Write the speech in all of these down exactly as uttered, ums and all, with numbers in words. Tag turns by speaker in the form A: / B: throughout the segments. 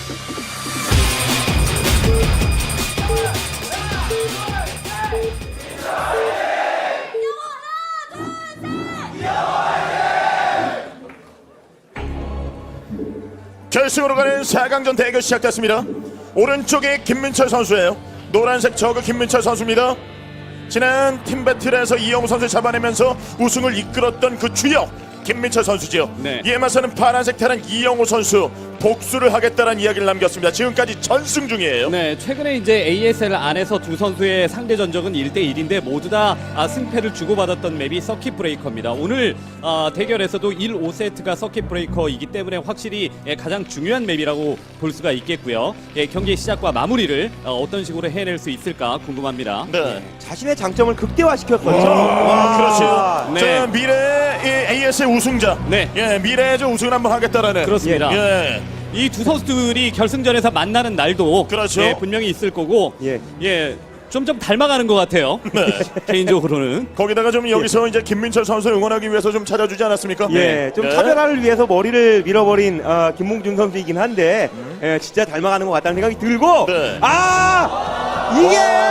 A: 결승으로 가는 사 강전 대결 시작됐습니다. 오른쪽에 김민철 선수예요. 노란색 저그 김민철 선수입니다. 지난 팀배틀에서 이영호 선수 잡아내면서 우승을 이끌었던 그 주역 김민철 선수죠.
B: 네.
A: 이에 맞서는 파란색 테란 이영호 선수, 복수를 하겠다는 이야기를 남겼습니다. 지금까지 전승 중이에요.
B: 네, 최근에 이제 에이에스엘 안에서 두 선수의 상대 전적은 일 대 일인데 모두 다 아, 승패를 주고받았던 맵이 서킷 브레이커입니다. 오늘 아, 대결에서도 일, 오 세트가 서킷 브레이커이기 때문에 확실히 예, 가장 중요한 맵이라고 볼 수가 있겠고요. 예, 경기의 시작과 마무리를 어, 어떤 식으로 해낼 수 있을까 궁금합니다.
A: 네.
C: 자신의 장점을 극대화시켰었죠.
A: 와, 그렇죠.
B: 네.
A: 자, 미래 에이에스엘 우승자.
B: 네.
A: 예, 미래의 저 우승을 한번 하겠다라는.
B: 그렇습니다.
A: 예.
B: 이 두 선수들이 결승전에서 만나는 날도
A: 그렇죠.
B: 예, 분명히 있을 거고
C: 예.
B: 예, 좀 좀 닮아가는 것 같아요.
A: 네.
B: 개인적으로는.
A: 거기다가 좀 여기서 이제 김민철 선수 응원하기 위해서 좀 찾아주지 않았습니까?
C: 예, 좀
A: 예.
C: 차별화를 위해서 머리를 밀어버린 어, 김몽준 선수이긴 한데 예, 진짜 닮아가는 것 같다는 생각이 들고
A: 네.
C: 아 이게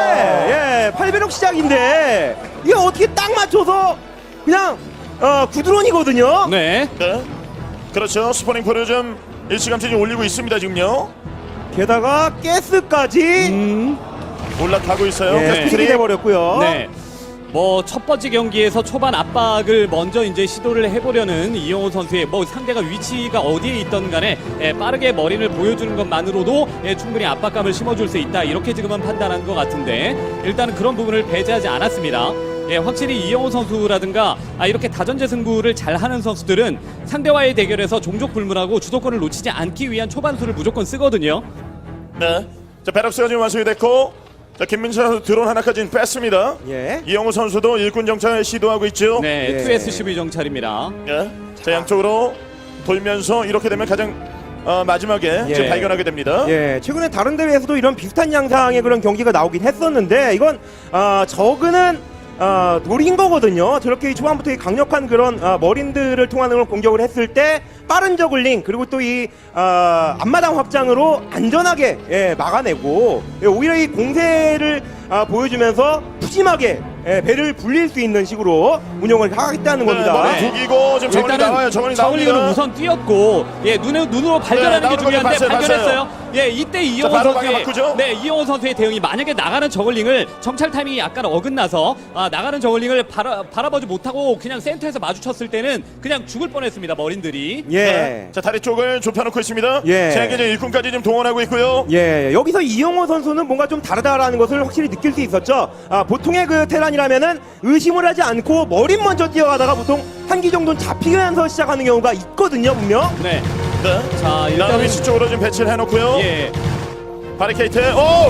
C: 예, 팔 배럭 시작인데 이게 어떻게 딱 맞춰서 그냥 어, 구드론이거든요.
B: 네.
A: 네. 그렇죠. 스포닝 포를 좀 일찌감치 좀 올리고 있습니다. 지금요.
C: 게다가 가스까지
B: 음.
A: 올라가고 있어요.
C: 예,
A: 계속
C: 스틱이
A: 트릭.
C: 돼버렸고요.
B: 네. 뭐 첫 번째 경기에서 초반 압박을 먼저 이제 시도를 해보려는 이영호 선수의 뭐 상대가 위치가 어디에 있던 간에 예, 빠르게 머리를 보여주는 것만으로도 예, 충분히 압박감을 심어줄 수 있다 이렇게 지금은 판단한 것 같은데 일단은 그런 부분을 배제하지 않았습니다. 예, 확실히 이영호 선수라든가 아, 이렇게 다전제 승부를 잘하는 선수들은 상대와의 대결에서 종족 불문하고 주도권을 놓치지 않기 위한 초반수를 무조건 쓰거든요.
A: 네. 자, 베럭스가 지금 완성이 됐고, 자, 김민철 선수 드론 하나까지는 뺐습니다.
C: 예.
A: 이영호 선수도 일꾼 정찰을 시도하고 있죠.
B: 네,
C: 예.
B: 투 에스씨브이 정찰입니다.
A: 예. 자, 양쪽으로 돌면서 이렇게 되면 가장 어, 마지막에
C: 예.
A: 지금 발견하게 됩니다.
C: 예, 최근에 다른 대회에서도 이런 비슷한 양상의 그런 경기가 나오긴 했었는데 이건 어, 저그는 어, 노린 거거든요. 저렇게 초반부터 이 강력한 그런 어, 머린들을 통한 그런 공격을 했을 때 빠른 저글링 그리고 또 이 어, 앞마당 확장으로 안전하게 예, 막아내고 예, 오히려 이 공세를 아, 보여주면서 푸짐하게 예, 배를 불릴 수 있는 식으로 운영을 하겠다는 겁니다.
A: 머리
B: 네.
A: 두기고 지금 저걸이 나와요. 저걸이
B: 저글링으로
A: 나옵니다.
B: 우선 뛰었고 예 눈에 눈으로 발견하는
A: 네,
B: 게
A: 나오는
B: 중요한데
A: 거 봤어요,
B: 발견했어요.
A: 봤어요.
B: 예 이때 이영호
A: 바로 방향
B: 선수의
A: 바꾸죠?
B: 네 이영호 선수의 대응이 만약에 나가는 저글링을 정찰 타이밍이 약간 어긋나서 아, 나가는 저글링을 바라, 바라보지 못하고 그냥 센터에서 마주쳤을 때는 그냥 죽을 뻔했습니다 머린들이.
C: 예.
A: 네. 자, 다리 쪽을 좁혀놓고 있습니다.
C: 예.
A: 세계적 일꾼까지 지금 동원하고 있고요.
C: 예, 여기서 이영호 선수는 뭔가 좀 다르다라는 것을 확실히 느낄 수 있었죠. 아, 보통의 그 테란이라면은 의심을 하지 않고 머리 먼저 뛰어가다가 보통 한 기 정도는 잡히면서 시작하는 경우가 있거든요, 분명.
B: 네.
A: 네.
B: 자
A: 다음
B: 일단은
A: 위치 쪽으로 좀 배치를 해놓고요.
B: 예.
A: 바리케이트. 오!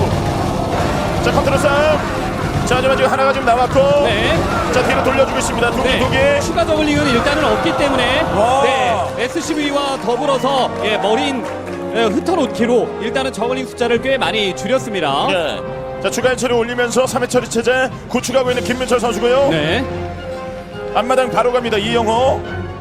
A: 자, 컨트롤 싸움. 자, 하지만 지금 하나가 지금 나왔고.
B: 네.
A: 자, 뒤로 돌려주고 있습니다. 두기
B: 네.
A: 두기.
B: 추가 저글링은 일단은 없기 때문에
A: 와.
B: 네 에스씨브이와 더불어서 예, 머린 예, 흩어놓기로 일단은 저글링 숫자를 꽤 많이 줄였습니다.
A: 네. 자, 추가 해처리 올리면서 삼 회 처리 체제 구축하고 있는 김민철 선수고요.
B: 네.
A: 앞마당 바로 갑니다. 이영호.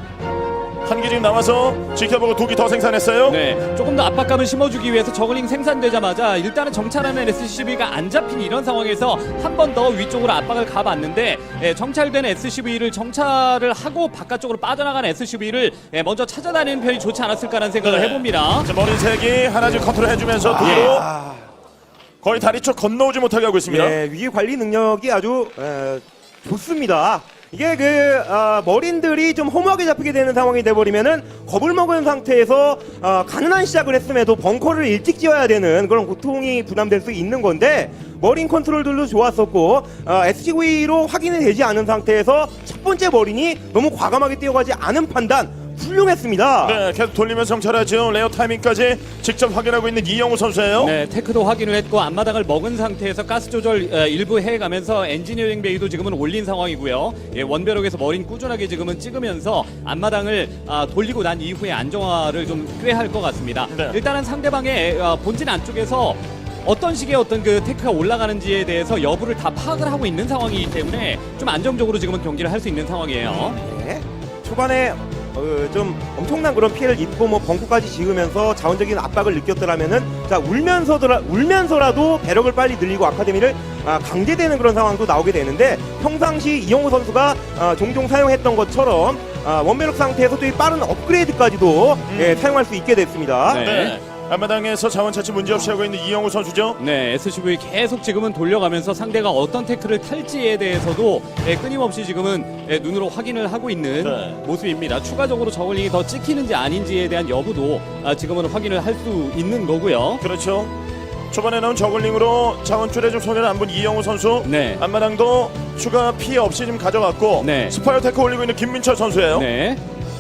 A: 한 개 지금 나와서 지켜보고 두 개 더 생산했어요.
B: 네, 조금 더 압박감을 심어주기 위해서 저글링 생산되자마자 일단은 정찰하는 에스씨브이가 안 잡힌 이런 상황에서 한 번 더 위쪽으로 압박을 가봤는데 예, 정찰된 에스씨브이를 정찰을 하고 바깥쪽으로 빠져나간 에스씨브이를 예, 먼저 찾아다니는 편이 좋지 않았을까라는 생각을
A: 네.
B: 해봅니다.
A: 자, 머리 색이 하나 지금 컨트롤 해주면서 뒤로
C: 아,
A: 거의 다리 쪽 건너오지 못하게 하고 있습니다.
C: 예, 위기 관리 능력이 아주 에, 좋습니다. 이게 그 아, 머린들이 좀 허무하게 잡히게 되는 상황이 돼버리면은 겁을 먹은 상태에서 아, 가능한 시작을 했음에도 벙커를 일찍 지어야 되는 그런 고통이 부담될 수 있는 건데 머린 컨트롤들도 좋았었고 아, 에스씨브이로 확인이 되지 않은 상태에서 첫 번째 머린이 너무 과감하게 뛰어가지 않은 판단 훌륭했습니다.
A: 네, 계속 돌리면서 정찰하죠. 레어 타이밍까지 직접 확인하고 있는 이영호 선수예요.
B: 네, 테크도 확인을 했고 앞마당을 먹은 상태에서 가스 조절 어, 일부 해가면서 엔지니어링 베이도 지금은 올린 상황이고요. 예, 원배럭에서 머린 꾸준하게 지금은 찍으면서 앞마당을 아, 돌리고 난 이후에 안정화를 좀 꽤 할 것 같습니다.
A: 네.
B: 일단은 상대방의 어, 본진 안쪽에서 어떤 식의 어떤 그 테크가 올라가는지에 대해서 여부를 다 파악을 하고 있는 상황이기 때문에 좀 안정적으로 지금은 경기를 할 수 있는 상황이에요.
C: 네. 초반에 어, 좀 엄청난 그런 피해를 입고 뭐 벙커까지 지으면서 자원적인 압박을 느꼈더라면은 자 울면서더라 울면서라도 배럭을 빨리 늘리고 아카데미를 아, 강제되는 그런 상황도 나오게 되는데 평상시 이영호 선수가 아, 종종 사용했던 것처럼 아, 원배럭 상태에서 또 이 빠른 업그레이드까지도
A: 음.
C: 예, 사용할 수 있게 됐습니다.
B: 네.
A: 네. 앞마당에서 자원 차치 문제없이 하고 있는 이영호 선수죠.
B: 네, 에스씨브이 계속 지금은 돌려가면서 상대가 어떤 태클을 탈지에 대해서도 예, 끊임없이 지금은 예, 눈으로 확인을 하고 있는
A: 네.
B: 모습입니다. 추가적으로 저글링이 더 찍히는지 아닌지에 대한 여부도 아, 지금은 확인을 할 수 있는 거고요.
A: 그렇죠. 초반에 나온 저글링으로 자원줄에 좀 손해를 안 본 이영호 선수.
B: 네.
A: 앞마당도 추가 피해 없이 좀 가져갔고
B: 네.
A: 스파이어 테크 올리고 있는 김민철 선수예요.
B: 네,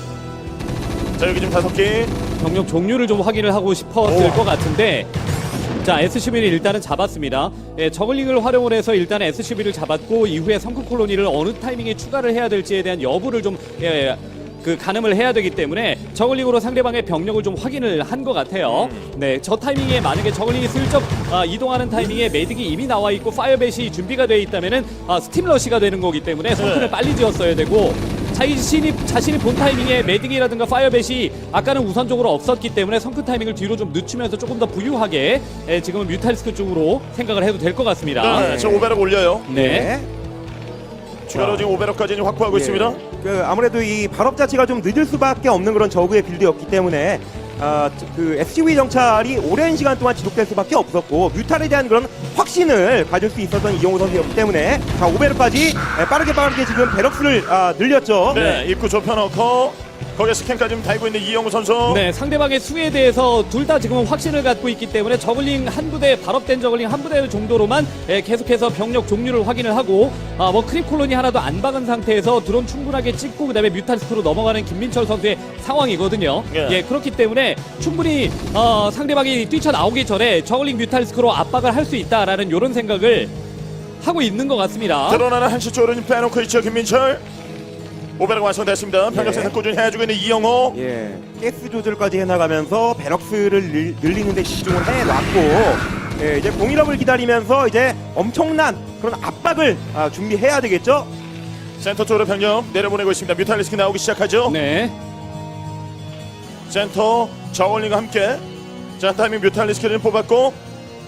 A: 자 여기 지금 다섯 개.
B: 병력 종류를 좀 확인을 하고 싶었을
A: 오.
B: 것 같은데 자 에스씨브이를 일단은 잡았습니다. 예, 저글링을 활용을 해서 일단 에스씨브이를 잡았고 이후에 성크 콜로니를 어느 타이밍에 추가를 해야 될지에 대한 여부를 좀 예, 그 가늠을 해야 되기 때문에 저글링으로 상대방의 병력을 좀 확인을 한 것 같아요.
A: 음.
B: 네, 저 타이밍에 만약에 저글링이 슬쩍 아, 이동하는 타이밍에 매딕이 이미 나와 있고 파이어벳이 준비가 되어 있다면은 아, 스팀 러시가 되는 거기 때문에 성크를
A: 네.
B: 빨리 지었어야 되고 자신이 자신이 본 타이밍에 매딕이라든가 파이어벳이 아까는 우선적으로 없었기 때문에 성크 타이밍을 뒤로 좀 늦추면서 조금 더 부유하게 예, 지금은 뮤탈리스크 쪽으로 생각을 해도 될 것 같습니다.
A: 네. 지금 오베럭 올려요.
B: 네.
A: 추가로
C: 자.
A: 지금 오베럭까지 확보하고
C: 예.
A: 있습니다.
C: 그 아무래도 이 발업 자체가 좀 늦을 수밖에 없는 그런 저그의 빌드였기 때문에 아, 그 에스씨브이 정찰이 오랜 시간 동안 지속될 수밖에 없었고 뮤탈에 대한 그런 확신을 가질 수 있었던 이영호 선수였기 때문에 자 오베르까지 빠르게 빠르게 지금 베럭스를 아, 늘렸죠.
A: 네. 입구 좁혀놓고 거기에 스캔까지 좀 달고 있는 이영호 선수.
B: 네, 상대방의 수에 대해서 둘 다 지금은 확신을 갖고 있기 때문에 저글링 한 부대, 발업된 저글링 한 부대 정도로만 예, 계속해서 병력 종류를 확인을 하고 아, 뭐 크립 콜로니 하나도 안 박은 상태에서 드론 충분하게 찍고 그다음에 뮤탈리스크로 넘어가는 김민철 선수의 상황이거든요.
A: 예.
B: 예, 그렇기 때문에 충분히 어, 상대방이 뛰쳐나오기 전에 저글링 뮤탈리스크로 압박을 할 수 있다라는 이런 생각을 하고 있는 것 같습니다.
A: 드러나는 한시 쪽으로 좀 빼놓고 있죠 김민철. 오베럭 완성됐습니다. 병력
C: 예.
A: 생산 꾸준히 해주고 있는 이영호.
C: 예, 가스 조절까지 해나가면서 베럭스를 늘, 늘리는데 집중을 해놨고 예, 이제 공일업을 기다리면서 이제 엄청난 그런 압박을 아, 준비해야 되겠죠.
A: 센터 쪽으로 병력 내려보내고 있습니다. 뮤탈리스크 나오기 시작하죠.
B: 네.
A: 센터 저울링과 함께 자 타이밍 뮤탈리스크를 뽑았고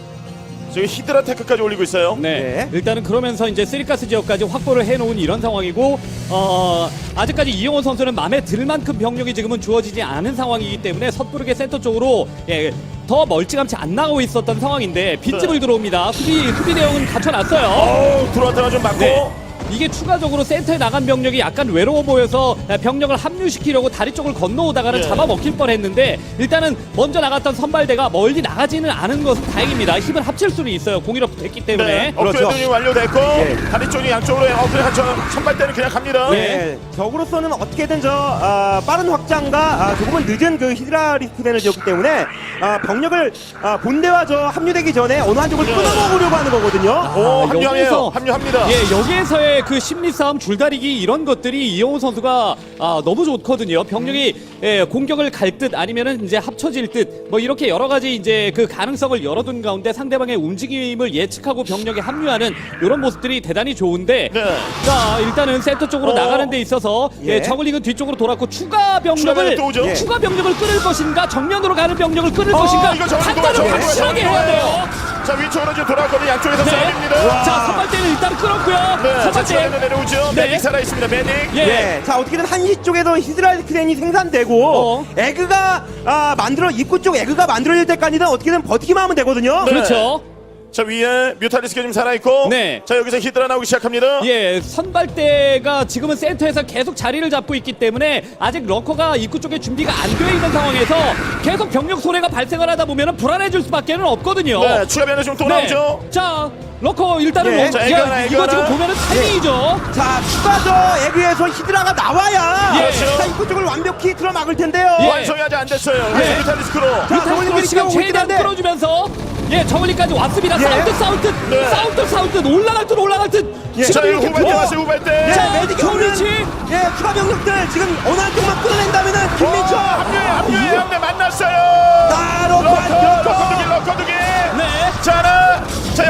A: 지금 히드라 테크까지 올리고 있어요.
B: 네.
C: 네.
B: 일단은 그러면서 이제 쓰리가스 지역까지 확보를 해놓은 이런 상황이고 어, 아직까지 이영호 선수는 마음에 들 만큼 병력이 지금은 주어지지 않은 상황이기 때문에 섣부르게 센터 쪽으로 예, 더 멀찌감치 안 나가고 있었던 상황인데 빈집을
A: 네.
B: 들어옵니다. 수비 수비 대응은 갖춰놨어요.
A: 어우 들어왔다가 좀 맞고.
B: 네. 이게 추가적으로 센터에 나간 병력이 약간 외로워 보여서 병력을 합류시키려고 다리 쪽을 건너오다가는
A: 예.
B: 잡아먹힐 뻔했는데 일단은 먼저 나갔던 선발대가 멀리 나가지는 않은 것은 다행입니다. 힘을 합칠 수는 있어요. 공일업 됐기 때문에.
A: 네.
C: 그렇죠.
A: 업그레이딩이 완료됐고
C: 예.
A: 다리 쪽이 양쪽으로 업그레이드 한 천- 선발대는 그냥 갑니다.
B: 네.
C: 예, 적으로서는 어떻게든 저 아, 빠른 확장과 아, 조금은 늦은 그 히드라 리스크단을 지었기 때문에 아, 병력을 아, 본대와 저 합류되기 전에 어느 한쪽을 끊어먹으려고 하는 거거든요.
A: 오
B: 아,
A: 합류해요.
B: 여기서-
A: 합류합니다.
B: 예, 여기에서의 그 심리 싸움 줄다리기 이런 것들이 이영호 선수가 아, 너무 좋거든요. 병력이 예, 공격을 갈 듯 아니면은 이제 합쳐질 듯 뭐 이렇게 여러 가지 이제 그 가능성을 열어둔 가운데 상대방의 움직임을 예측하고 병력에 합류하는 이런 모습들이 대단히 좋은데
A: 네.
B: 자 일단은 센터 쪽으로
A: 어.
B: 나가는 데 있어서 예.
C: 예.
B: 저글링은 뒤쪽으로 돌았고 추가 병력을
A: 추가 병력 또 오죠?
C: 예.
B: 추가 병력을 끊을 것인가 정면으로 가는 병력을 끊을
A: 어,
B: 것인가
A: 이거 저글링
B: 판단을
A: 좋아요,
B: 확실하게
A: 저글링
B: 해야
A: 좋아요.
B: 돼요.
A: 자 위쪽으로 지금 돌아왔거든요. 양쪽에서
B: 네.
A: 싸움입니다.
B: 자 선발대는 일단 끊었고요.
A: 네. 자
B: 선발대
A: 추가로 내려오죠.
B: 네.
A: 메딕 살아 있습니다. 메딕.
B: 예.
C: 예, 자 어떻게든 한시 쪽에서 히드라 리스크단이 생산되고
B: 어.
C: 에그가 아, 만들어 입구 쪽 에그가 만들어질 때까지는 어떻게든 버티기만 하면 되거든요.
A: 네.
B: 그렇죠.
A: 자 위에 뮤탈리스크 좀 살아있고.
B: 네.
A: 자 여기서 히드라 나오기 시작합니다.
B: 예, 선발대가 지금은 센터에서 계속 자리를 잡고 있기 때문에 아직 러커가 입구 쪽에 준비가 안 되어 있는 상황에서 계속 병력 손해가 발생을 하다 보면 불안해질 수밖에는 없거든요.
A: 네. 추가 변화 좀또
B: 네.
A: 나오죠.
B: 자, 러커 일단은
C: 예.
B: 뭐-
A: 자,
B: 야,
A: 에그하나,
B: 이거
A: 에그하나.
B: 지금 보면은 타이밍이죠.
C: 자 추가 저 에그에서 히드라가 나와야
B: 예.
C: 자 입구 쪽을 완벽히 틀어막을 텐데요.
B: 예.
A: 완성이 아직 안 됐어요.
B: 네.
A: 뮤탈리스크로.
C: 자,
B: 뮤탈리스크로
C: 저글링들이
B: 시간
C: 지금
B: 최대한
C: 오긴 한데.
B: 끌어주면서 예, 저글링까지 왔습니다.
C: 예.
B: 싸울 듯 싸울 듯
A: 네.
B: 싸울 듯 싸울 듯 올라갈 듯 올라갈 듯
C: 예.
A: 자
B: 지금
A: 이거
B: 이렇게
A: 후발대
B: 보-
A: 왔어요. 후발대.
C: 예,
B: 자,
C: 메딕이 오는
B: 조리치.
C: 예, 추가 병력들 지금 어느 한쪽만 끊어낸다면은
A: 와,
C: 김민철
A: 합류해 합류해 합류해 만났어요.
C: 아, 러커,
A: 러커
C: 러커.
A: 러커두기 러커두기.
B: 네.
A: 자 하나. 자 여기서 어떻게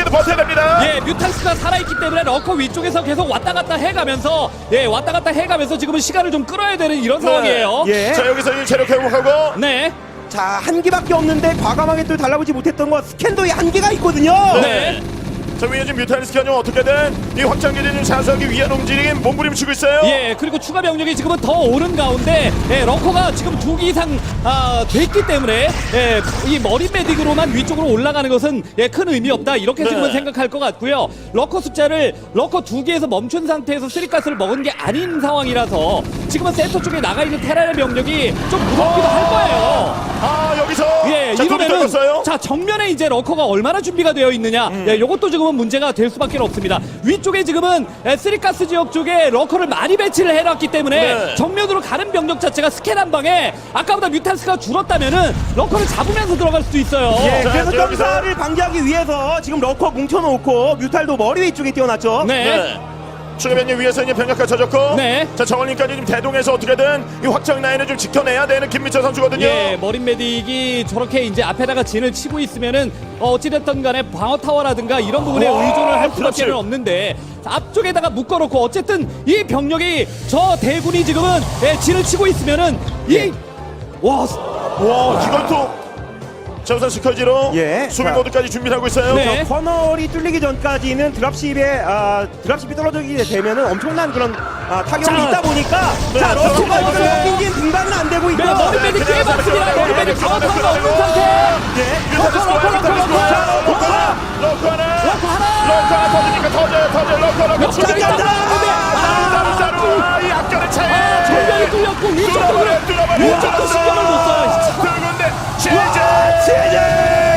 A: 여기도 버텨야 됩니다.
B: 예, 뮤탈스가 살아있기 때문에 러커 위쪽에서 계속 왔다 갔다 해가면서 예, 왔다 갔다 해가면서 지금은 시간을 좀 끌어야 되는 이런 상황이에요.
C: 예.
A: 자 여기서 이 체력 회복하고
B: 네.
C: 자, 한기밖에 없는데 과감하게 또 달라붙지 못했던 건 스캔도에 한계가 있거든요.
B: 네.
A: 자 위에 지금 뮤탈리스크가 좀 어떻게든 이 확장기를 좀 사수하기 위한 움직임 몸부림치고 있어요.
B: 예, 그리고 추가 병력이 지금은 더 오른 가운데 예, 러커가 지금 두 기 이상 아, 됐기 때문에 예, 이 머리 메딕으로만 위쪽으로 올라가는 것은 예, 큰 의미 없다 이렇게
A: 네.
B: 지금은 생각할 것 같고요. 러커 숫자를 러커 두 개에서 멈춘 상태에서 쓰리가스를 먹은 게 아닌 상황이라서 지금은 센터 쪽에 나가 있는 테란의 병력이 좀 무섭기도 할 거예요.
A: 아 여기서
B: 예,
A: 자, 둘이
B: 이러면은
A: 떨궜어요.
B: 자 정면에 이제 러커가 얼마나 준비가 되어 있느냐,
A: 음.
B: 예, 이것도 지금은 문제가 될 수밖에 없습니다. 위쪽에 지금은 에, 쓰리가스 지역 쪽에 러커를 많이 배치를 해놨기 때문에
A: 네.
B: 정면으로 가는 병력 자체가 스캔 한 방에 아까보다 뮤탈스가 줄었다면은 러커를 잡으면서 들어갈 수도 있어요.
C: 예,
A: 자,
C: 그래서
A: 여기서-
C: 점사를 방지하기 위해서 지금 러커 뭉쳐놓고 뮤탈도 머리 위쪽에 띄워놨죠.
B: 네.
A: 네. 추가변님 위에서 이제 병력까지 쳐졌고
B: 네.
A: 자 정원님까지 좀 대동해서 어떻게든 이 확장 라인을 좀 지켜내야 되는 김민철 선수거든요.
B: 예, 머린 메딕이 저렇게 이제 앞에다가 진을 치고 있으면은 어, 어찌됐든 간에 방어 타워라든가 이런 부분에
A: 와,
B: 의존을 할
A: 그렇지.
B: 수밖에 없는데 앞쪽에다가 묶어놓고 어쨌든 이 병력이 저 대군이 지금은 예, 진을 치고 있으면은 이 와,
A: 와 이걸 또 저우선 스커지로
C: 예.
A: 수비
C: 자.
A: 모드까지 준비를 하고 있어요.
B: 네.
C: 커널이 뚫리기 전까지는 드랍십에 아, 드랍십이 떨어지게 되면은 엄청난 그런 아, 타격이
B: 자.
C: 있다 보니까
A: 네,
C: 자 러커가
B: 들어가요.
C: 이거 빈진 등반은 안 되고 있고
B: 네, 머리
A: 네,
B: 메딕
A: 그냥
B: 꽤 많습니다.
A: 잡아요.
B: 머리
A: 네,
B: 메딕 방어
A: 잡아요.
B: 타워가 없는 상태.
C: 예.
A: 뮤탈리스크
B: 러커, 러커, 러커,
A: 뮤탈리스크
B: 러커.
A: 러커 하나 러커 하나
B: 러커 하나.
A: 러커 하나 터지니까 터져요 터져요 러커 러커
B: 역전이
A: 추적이
B: 안
A: 없다.
B: 나왔는데.
A: 아 따로 따로 이 앞전의 차이
B: 전면이 뚫렸고 위쪽 쪽으로
A: 뚫어버려 뚫어버려
B: 위쪽도 신경을 못 써요.
A: 두 군데
C: 와,
A: 제재
C: 제재!